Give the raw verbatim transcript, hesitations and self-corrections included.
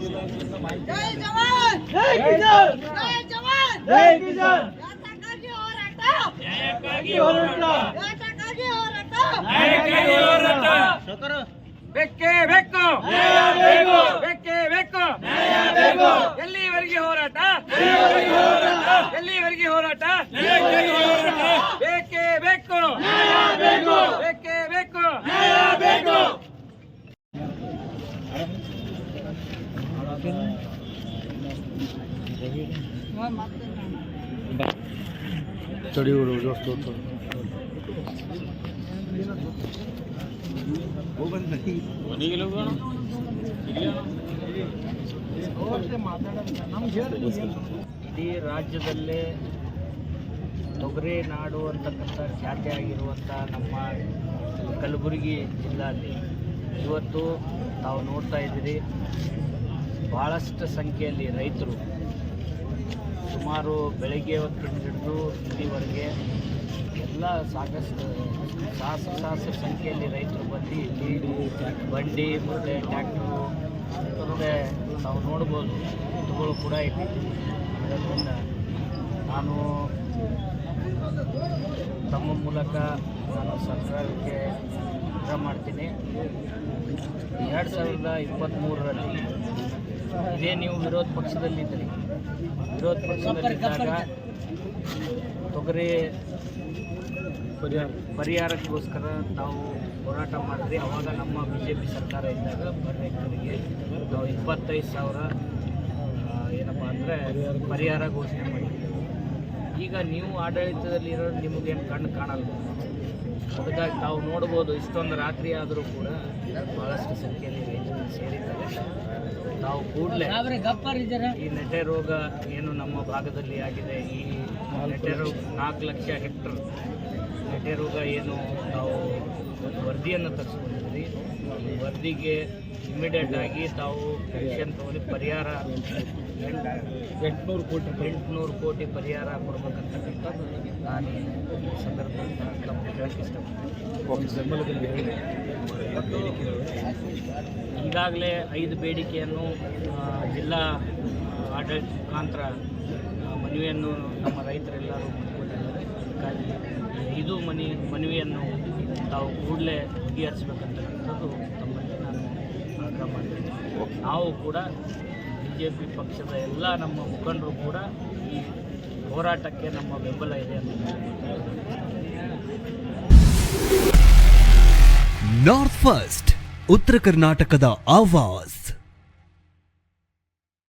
ಜವಾನ್ ಜೈ ಕಿಸಾನ್ ಜೈ ಜವಾನ್ ಜೈ ಕಿಸಾನ್ ಯಾತಕ್ಕಾಗಿ ಹೋರಾಟ ನ್ಯಾಯಕ್ಕಾಗಿ ಹೋರಾಟ ಯಾತಕ್ಕಾಗಿ ಹೋರಾಟ ನ್ಯಾಯಕ್ಕಾಗಿ ಹೋರಾಟ ಶಕರ ಬೆಕ್ಕೆ ಬೆಕ್ಕು ನ್ಯಾಯ ಬೇಕು ಬೆಕ್ಕೆ ಬೆಕ್ಕು ನ್ಯಾಯ ಬೇಕು ಎಲ್ಲಿವರೆಗೆ ಹೋರಾಟ ಎಲ್ಲಿವರೆಗೆ ಹೋರಾಟ ಎಲ್ಲಿವರೆಗೆ ಹೋರಾಟ ನ್ಯಾಯಕ್ಕಾಗಿ ಹೋರಾಟ ಬೆಕ್ಕೆ ಬೆಕ್ಕು ನ್ಯಾಯ ಬೇಕು ಬೆಕ್ಕೆ ಬೆಕ್ಕು ನ್ಯಾಯ ಬೇಕು चढ़ी हो दोस्तों तो वो बंद नहीं बनी के लोग ಇಡೀ ರಾಜ್ಯದಲ್ಲೇ ತೊಗರಿ ನಾಡು ಅಂತಕ್ಕಂಥ ಖ್ಯಾತಿಯಾಗಿರುವಂಥ ನಮ್ಮ ಕಲಬುರಗಿ ಜಿಲ್ಲೆಯಲ್ಲಿ ಇವತ್ತು ತಾವು ನೋಡ್ತಾ ಇದ್ದೀರಿ ಭಾಳಷ್ಟು ಸಂಖ್ಯೆಯಲ್ಲಿ ರೈತರು ಸುಮಾರು ಬೆಳಗ್ಗೆ ಹೊತ್ತಿನ ಹಿಡಿದು ಇಲ್ಲಿವರೆಗೆ ಎಲ್ಲ ಸಾಕಷ್ಟು ಸಾಹಸ ಸಾಹಸ ಸಂಖ್ಯೆಯಲ್ಲಿ ರೈತರು ಬಂದು ಇಲ್ಲಿ ಬಂಡಿ ಮತ್ತು ಟ್ಯಾಕ್ಟ್ರು ಮತ್ತು ನಾವು ನೋಡ್ಬೋದು ಎತ್ತುಗಳು ಕೂಡ ಇದೆ. ಅದರಿಂದ ನಾನು ತಮ್ಮ ಮೂಲಕ ನಾನು ಸರ್ಕಾರಕ್ಕೆ ಆಗ್ರಹ ಮಾಡ್ತೀನಿ, ಎರಡು ಸಾವಿರದ ಇಪ್ಪತ್ತ್ಮೂರರಲ್ಲಿ ಇದೇ ನೀವು ವಿರೋಧ ಪಕ್ಷದಲ್ಲಿದ್ದರೆ ವಿರೋಧ ಪಕ್ಷದಲ್ಲಿದ್ದಾಗ ತೊಗರಿ ಪರಿಹಾರಕ್ಕೋಸ್ಕರ ನಾವು ಹೋರಾಟ ಮಾಡಿದ್ರಿ. ಆವಾಗ ನಮ್ಮ ಬಿ ಜೆ ಪಿ ಸರ್ಕಾರ ಇದ್ದಾಗ ರೈತರಿಗೆ ನಾವು ಇಪ್ಪತ್ತೈದು ಸಾವಿರ ಏನಪ್ಪ ಅಂದರೆ ಪರಿಹಾರ ಘೋಷಣೆ ಮಾಡಿದ್ದೀವಿ. ಈಗ ನೀವು ಆಡಳಿತದಲ್ಲಿರೋ ನಿಮಗೇನು ಕಣ್ಣು ಕಾಣಲ್ಲ. ಅದಕ್ಕಾಗಿ ತಾವು ನೋಡ್ಬೋದು ಇಷ್ಟೊಂದು ರಾತ್ರಿ ಆದರೂ ಕೂಡ ಭಾಳಷ್ಟು ಸಂಖ್ಯೆಯಲ್ಲಿ ರೈತರು ಸೇರಿದ್ದಾರೆ. ನಾವು ಕೂಡಲೇ ಈ ನೆಟೆ ರೋಗ ಏನು ನಮ್ಮ ಭಾಗದಲ್ಲಿ ಆಗಿದೆ, ಈ ನೆಟೆ ರೋಗ ನಾಲ್ಕು ಲಕ್ಷ ಹೆಕ್ಟರ್ ನೆಟೆ ರೋಗ ಏನು ನಾವು ಒಂದು ವರದಿಯನ್ನು ತರಿಸ್ಕೊಂಡಿದ್ವಿ. ಈ ವರದಿಗೆ ಇಮಿಡಿಯೇಟ್ ಆಗಿ ತಾವು ಆ್ಯಕ್ಷನ್ ತಗೊಂಡು ಪರಿಹಾರ ಎಂಟುನೂರು ಕೋಟಿ ಎಂಟುನೂರು ಕೋಟಿ ಪರಿಹಾರ ಕೊಡ್ಬೇಕಂತಕ್ಕಂಥದ್ದು ನಾನು ಈ ಸಂದರ್ಭದಲ್ಲಿ ತಮಗೆ ಹೇಳಕ್ಕೆ ಇಷ್ಟಪಡ್ತೀನಿ. ಈಗಾಗಲೇ ಐದು ಬೇಡಿಕೆಯನ್ನು ಜಿಲ್ಲಾ ಆಡಳಿತ ಮುಖಾಂತರ ಮನವಿಯನ್ನು ನಮ್ಮ ರೈತರೆಲ್ಲರೂ ಮಾಡಿಕೊಂಡಿದ್ದಾರೆ. ಅದಕ್ಕಾಗಿ ಐದು ಮನಿ ಮನವಿಯನ್ನು ತಾವು ಕೂಡಲೇ ಬಗೆಹರಿಸಬೇಕಂತಕ್ಕಂಥದ್ದು ತಮ್ಮಲ್ಲಿ ನಾನು ಆಗ್ರಹ ಮಾಡ್ತೀನಿ. ನಾವು ಕೂಡ ಬಿ ಜೆ ಪಿ ಪಕ್ಷದ ಎಲ್ಲ ನಮ್ಮ ಮುಖಂಡರು ಕೂಡ ಈ ಹೋರಾಟಕ್ಕೆ ನಮ್ಮ ಬೆಂಬಲ ಇದೆ ಅಂತ. ನಾರ್ತ್ ಫಸ್ಟ್ ಉತ್ತರ ಕರ್ನಾಟಕದ ಆವಾಜ್.